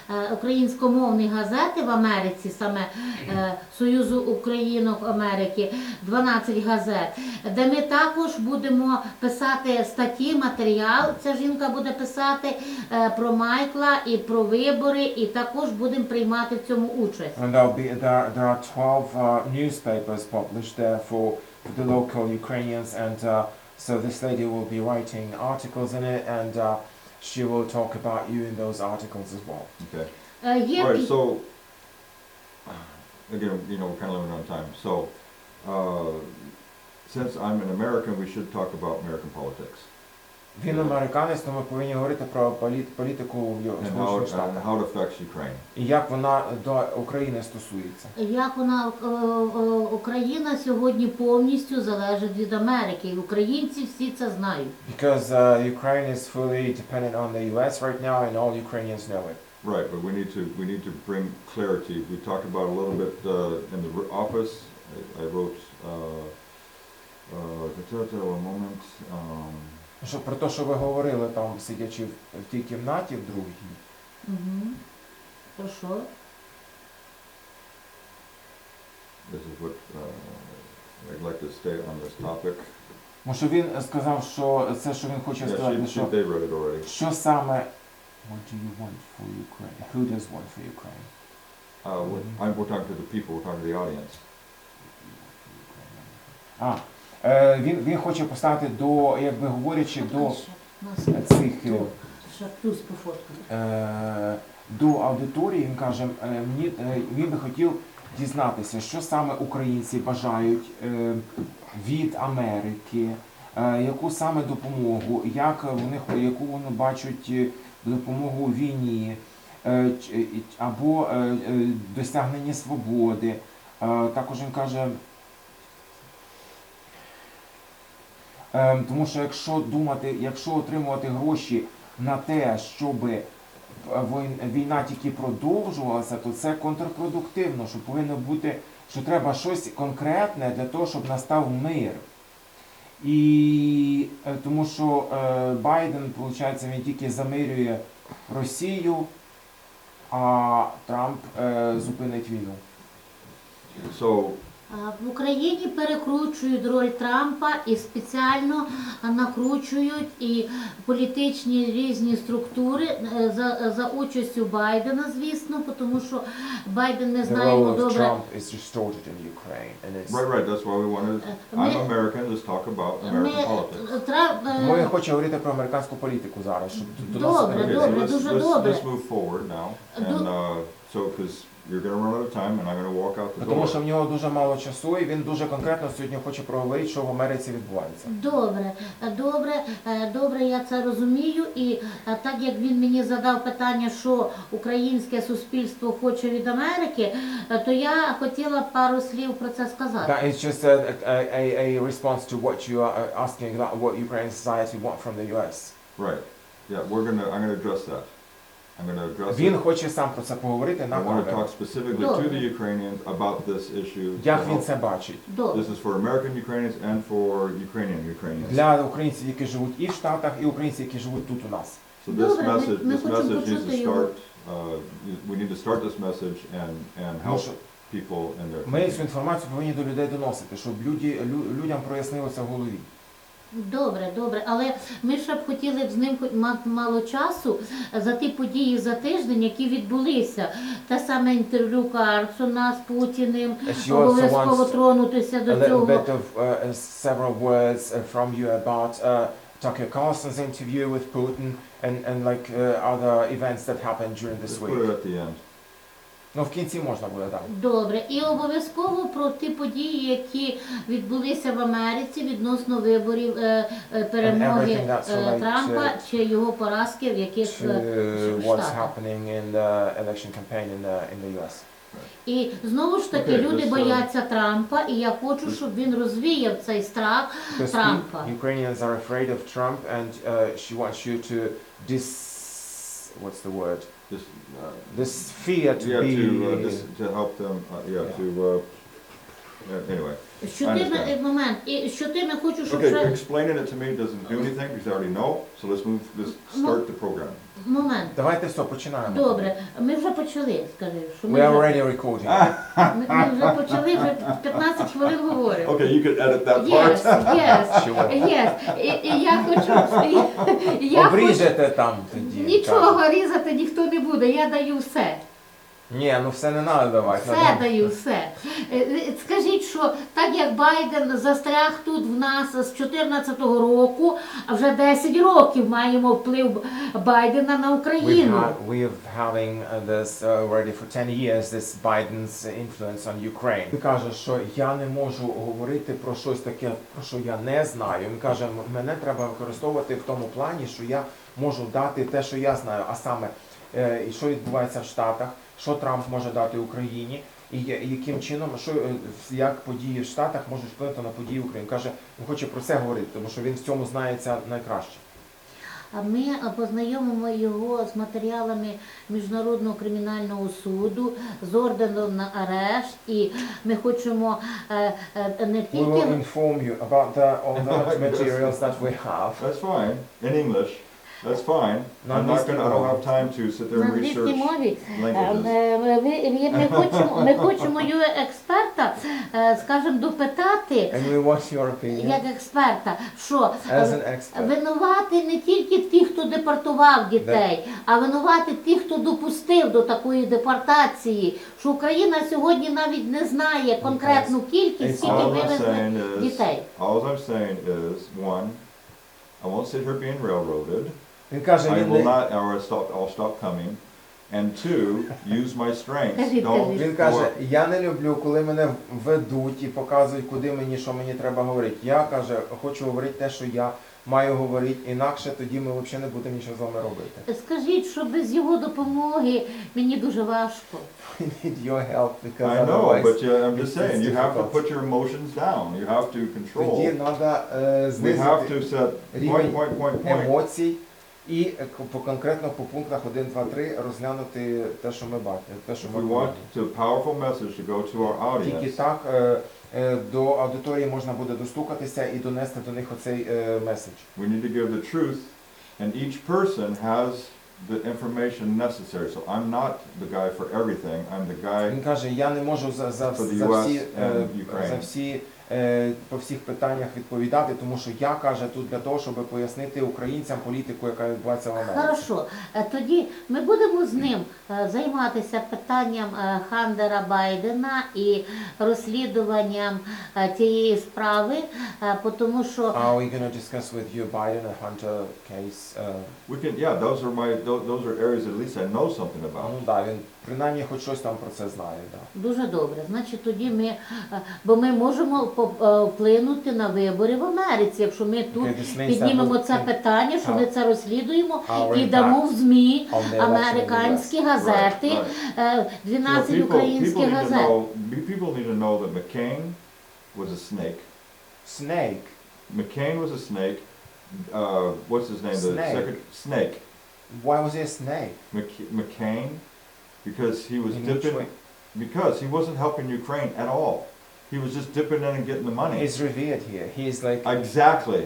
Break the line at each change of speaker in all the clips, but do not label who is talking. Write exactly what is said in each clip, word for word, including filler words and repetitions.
е, українськомовні газети в Америці, саме е, Союзу Українок Америки, дванадцять газет, де ми також будемо писати статті, матеріал. Ця жінка буде писати е, про Майкла і про вибори, і також будемо приймати в цьому участь.
And there'll be there there are twelve uh, newspapers published there for, for the local Ukrainians, and uh, so this lady will be writing articles in it, and uh, she will talk about you in those articles as well.
Okay.
Е, є
All right,
пі-
so, again, you know, we're kind of limited on time. So, uh, since I'm an American, we should talk about American politics
Він американець, тому ми повинні говорити про політ, політику в Йо-
and how,
Сполучених
it, and
Штатах.
how it affects Ukraine.
І як вона до України стосується.
Як вона е, е, Україна сьогодні повністю залежить від Америки, і українці всі це знають.
Because uh, Ukraine is fully dependent on the U S right now, and all Ukrainians know it.
Right, but we need to we need to bring clarity. We talked about a little bit uh, in the r- office. I, I wrote uh, uh, one moment. Um,
Що про те, що ви говорили там, сидячи в, в тій кімнаті, в другій.
Угу. Про що?
this is what uh, I'd like to stay on this topic.
Тому що він сказав, що це, що він хоче
Yeah,
сказати,
she, she,
що
they read it already.
що саме what do you want for Ukraine? Who does want for Ukraine?
Uh, what, I'm, we're talking to the people. We're talking to the audience.
А, е, він, він хоче поставити до, якби говорячи, до
Ще, нас
цих
тут, ще плюс по фоткам.
е, до аудиторії, він каже, е, мені, е, він би хотів дізнатися, що саме українці бажають е, від Америки, е, яку саме допомогу, як вони, яку вони бачать е, допомогу у війні, е, ч- е, або е, е, досягнення свободи. Е, також він каже, е, тому що якщо думати, якщо отримувати гроші на те, щоб вой- війна тільки продовжувалася, то це контрпродуктивно, що повинно бути, що треба щось конкретне для того, щоб настав мир. І е, тому що е, Байден, виходить, він тільки замирює Росію, а Трамп е, зупинить війну.
So
А в Україні перекручують роль Трампа і спеціально накручують і політичні різні структури е, за, за участю Байдена, звісно, тому що Байден, ми
The
знаємо
role of
добре.
Trump is distorted in Ukraine, and it's
right, right. That's why we wanted.
Uh,
I'm
me-
American. Let's talk about
Ми,
American politics.
Трамп, е,
Тому я хочу говорити про американську політику зараз, щоб до нас
Добре,
Okay,
добре,
so let's,
дуже
let's,
добре.
let's move forward now. And uh, so, because you're going to run out of time, and I'm going to walk out the
тому
door.
що в нього дуже мало часу, і він дуже конкретно сьогодні хоче проговорити, що в Америці відбувається.
Добре, добре, е, добре, я це розумію. І е, так як він мені задав питання, що українське суспільство хоче від Америки, е, то я хотіла пару слів про це сказати.
That is just a, a, a, a response to what you are asking about what Ukrainian society want from the U S.
Right. Yeah, we're going to. I'm going to address that. I'm going to address
Він
it.
хоче сам про це поговорити на
I want to
камеру.
talk specifically to the Ukrainians about this issue. to
Як він
help.
це бачить?
Добре.
This is for American Ukrainians and for Ukrainian Ukrainians.
Для українців, які живуть і в Штатах, і українців, які живуть тут у нас.
So this
Добре, ми-
message,
ми
this
хочемо
message needs to
почути його.
start. Uh, we need to start this message and and
Тому
help
що
people in their.
ми цю
community.
інформацію повинні до людей доносити, щоб люди, лю- людям прояснилося в голові.
Добре, добре, але ми ще б хотіли б з ним хоч мати мало часу за ті події за тиждень, які відбулися. Те саме інтерв'ю Карсона з Путіним,
She also
обов'язково
wants
тронутися
A
до
little
цього.
bit of uh, several words uh, from you about uh, Tucker Carlson's interview with Putin and, and like uh, other events that happened during this
Let's put it
week.
at the end.
Ну, в кінці можна буде, так.
Добре, і обов'язково про ті події, які відбулися в Америці відносно виборів е, е, перемоги
everything that's
е,
related
Трампа
to-
чи його поразки в яких
To
е,
what's
штатах.
happening in the election campaign in the, in the U S.
І знову ж таки
Окей,
люди
just, uh,
бояться Трампа, і я хочу, щоб він розвіяв цей страх
Because
Трампа.
Ukrainians are afraid of Trump, and uh, she wants you to dis... what's the word?
Just uh,
This fear to
yeah,
be...
to uh, this, to help them. Uh, yeah,
Yeah.
to uh, uh, anyway.
Що ти ми, момент, і що ти ми хочу, щоб
Okay,
ще
explaining it to me doesn't do anything because I already know. So let's move. Let's start the program.
момент.
Давайте все, починаємо.
Добре, ми вже почали, скажи, що
We
ми
are
вже,
already recording.
ми, ми вже почали, вже п'ятнадцять хвилин говоримо.
Okay, you could edit that part.
Yes, yes,
Sure.
yes. І, і я хочу, і, я хочу,
Обріжете там тоді.
нічого різати ніхто не буде, я даю все.
Ні, ну все не треба давати.
Все
надо-
даю, все. Е, е, Скажіть, що так як Байден застряг тут в нас з чотирнадцятого року, а вже десять років маємо вплив Байдена на
We've
Україну.
had, we've having uh, this uh, already for ten years, this Biden's influence on Ukraine. Він каже, що я не можу говорити про щось таке, про що я не знаю. Він каже, «М- мене треба використовувати в тому плані, що я можу дати те, що я знаю, а саме, е, і що відбувається в Штатах, що Трамп може дати Україні, і я- і яким чином, що, е, як події в Штатах можуть вплинути на події в Україні. Каже, він хоче про це говорити, тому що він в цьому знається найкраще.
А ми е, познайомимо його з матеріалами Міжнародного кримінального суду, з орденом на арешт, і ми хочемо е, е, не
We
тільки
will inform you about the, all the materials that we have.
That's fine in English. That's fine.
No,
I'm not
this-
gonna. I don't have time to sit there
на
and
англійській
research
мові.
languages.
Е, е, ви- ви- Ми хочемо, ми хочемо його експерта, е, скажімо, допитати,
And we want your opinion
як експерта, що
as
е,
an expert.
винувати не тільки ті, хто депортував дітей, а винувати ті, хто допустив до такої депортації, що Україна сьогодні навіть не знає конкретну кількість, скільки
All I'm
вивезли
saying is,
дітей.
all I'm saying is, one, I won't sit here being railroaded.
Він каже,
I
він,
will
не,
not, or I'll stop, I'll stop coming. And two, use my strengths.
Кажіть,
Don't
кажіть.
він
go
каже,
up.
я не люблю, коли мене ведуть і показують, куди мені, що мені треба говорити. Я, каже, хочу говорити те, що я маю говорити, інакше тоді ми взагалі не будемо нічого з вами робити.
Скажіть, що без його допомоги мені дуже важко.
We need your help because
I know,
otherwise
but uh, I'm just
it's
saying, you have to
difficult.
put your emotions down. You have to
тоді
control.
треба е,
We have to
знизити
set
рівень
point, point, point, point.
емоцій і е, к- по конкретно по пунктах один, два, три розглянути те, що ми бачимо, те, що
If
ми
we
бачимо.
want to powerful message to go to our
Тільки
audience,
так е, е, до аудиторії можна буде достукатися і донести до них оцей е, меседж.
we need to give the truth, and each person has the information necessary. So I'm not the guy for everything. I'm the guy.
Він каже, я не можу за, за,
For the
за
ю ес
всі, е,
and Ukraine.
за всі е, по всіх питаннях відповідати, тому що я, каже, тут для того, щоб пояснити українцям політику, яка відбувається в Америці.
Хорошо, Е, тоді ми будемо з ним е, займатися питанням е, Хантера Байдена і розслідуванням е, цієї справи, е, по тому що
Are we going to discuss with you Biden and Hunter case? Uh,
We can, yeah, those are my, tho- those are areas at least I know something about.
ну да, він принаймні хоч щось там про це знає. Да.
дуже добре. Значить, тоді ми, е, бо ми можемо по- е, вплинути на вибори в Америці, якщо ми тут
Okay, this means that
піднімемо
we'll
це
think
питання, що ми це розслідуємо
our
і дамо в
impact
ЗМІ
on the election in the
американські
U S.
газети,
Right,
е,
You know,
дванадцять
people, people
українських
need to
газет.
know, be- people need to know that McCain was a snake.
Snake.
McCain was a snake. Uh, what's his name? The
Snake.
second snake.
Why was he a snake?
Mc- McCain, because he was
In which
dipping.
way?
Because he wasn't helping Ukraine at all. He was just dipping in and getting the money.
He's revered here. He's like
Exactly.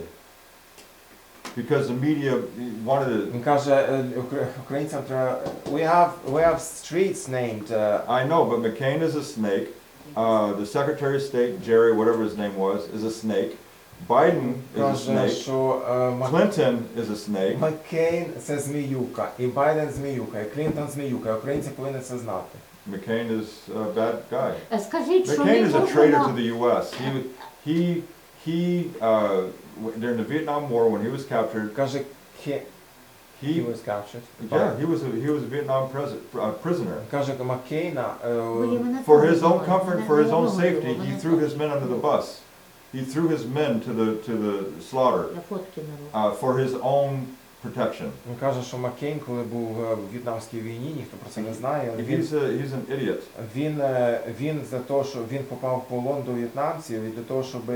Because the media wanted to.
він каже, е, ukra- українцям треба we have we have streets named uh,
I know, but McCain is a snake. Uh, the Secretary of State, Jerry, whatever his name was, is a snake. Biden is a
каже,
snake.
що е, Мак-
Clinton is a snake.
Маккейн це зміюка, і Байден зміюка, і Клінтон зміюка. Українці повинні це знати.
McCain is a bad guy.
Е, Скажіть, що
McCain
ми
is a traitor to
можемо...
the U S. He wa- he he uh, w- during the Vietnam War when he was captured,
Каже, he, he
he
was captured.
yeah he was a, he was a Vietnam pres- uh, prisoner.
Каже, Маккейна е,
Бо є мене
For
там
his own
немає.
comfort,
Мене-
for his
мене
own
немає,
safety,
мене
he threw
там-
his men under the bus. He threw his men to the to the slaughter
Я фотки не роблю.
uh, for his own protection.
він каже, що Маккейн, коли був е, в В'єтнамській війні, ніхто про це не знає, але він
He's a he's an idiot.
Він, е, він за те, що він попав в полон до в'єтнамців і для того, щоб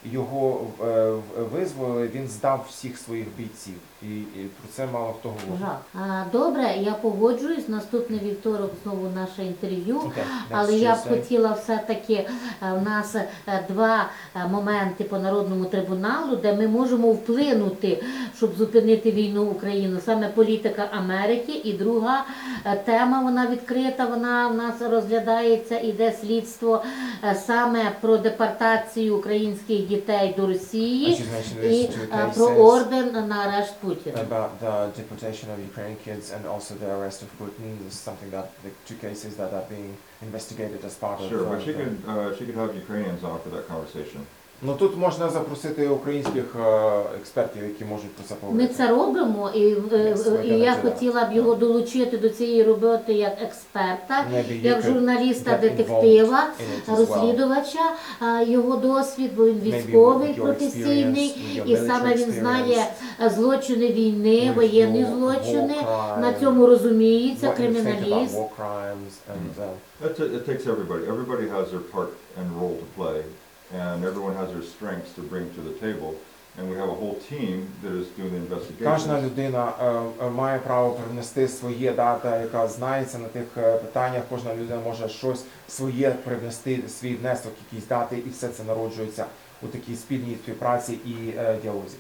його е, в- визволили, він здав всіх своїх бійців. І, і про це мало хто говорить.
Жах. А, Добре, я погоджуюсь. Наступний вівторок знову наше інтерв'ю.
Okay,
Але
next
я б
Tuesday.
хотіла все-таки, е, в нас е, два е, моменти по Народному трибуналу, де ми можемо вплинути, щоб зупинити війну в Україну. Саме політика Америки. І друга е, тема, вона відкрита, вона в нас розглядається, іде слідство е, саме про депортацію українських дітей до
I
Росії
should mention
і
there's two
е, про
cases
орден на арешт Путіна.
about the deportation of Ukrainian kids and also the arrest of Putin. This is something that the two cases that are being investigated as part of.
Sure,
uh,
but she
the-
could, uh, she could have Ukrainians on for that conversation.
Ну тут можна запросити українських е, експертів, які можуть про це
Ми
поговорити.
це робимо, і, е,
Yes, we're
і я
gonna do that.
хотіла б його долучити до цієї роботи як експерта,
Maybe you
як
could
журналіста,
get
детектива,
in it as well.
розслідувача, а, його досвід, бо він
Maybe
військовий,
with your
професійний,
experience, with your
і саме
military
він знає
experience,
злочини війни,
with
воєнні
your
злочини,
war
на
crime,
цьому розуміється,
what you think about
криміналіст.
war crimes and, uh,
That's it, it takes everybody. Everybody has their part and role to play, and everyone has their strengths to bring to the table. And we have a whole team that is doing the
Кожна
investigations.
людина е, е, має право привнести своє дата, яка знається на тих е, питаннях. Кожна людина може щось своє привнести, свій внесок, якісь дати, і все це народжується у такій спільній співпраці і е, діалозі.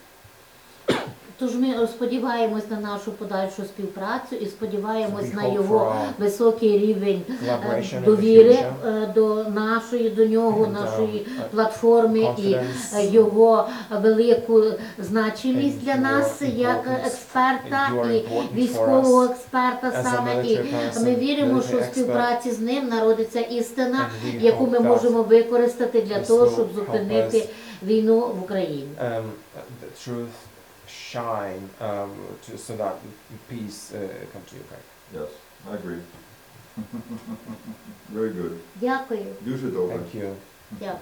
Тож ми сподіваємось на нашу подальшу співпрацю і сподіваємось
We
на
hope
його
for our
високий рівень е,
collaboration in the
довіри
future,
е, до нашої, до нього,
And,
нашої
um,
платформи і
confidence,
е, його велику значимість
and
для
your
нас як
importance,
експерта
and you are
і
important for
військового
us
експерта
as a
саме. І
military person,
ми віримо, що в
military expert.
співпраці з ним народиться істина,
And we
яку
hope
ми
that
можемо використати для
this
того,
will
щоб
help
зупинити
us,
війну в Україні.
um, the truth shine um, to, so that peace uh, come to Ukraine.
Yes, I agree. Very good.
Дякую.
Дуже добре.
Thank you.
Дякую.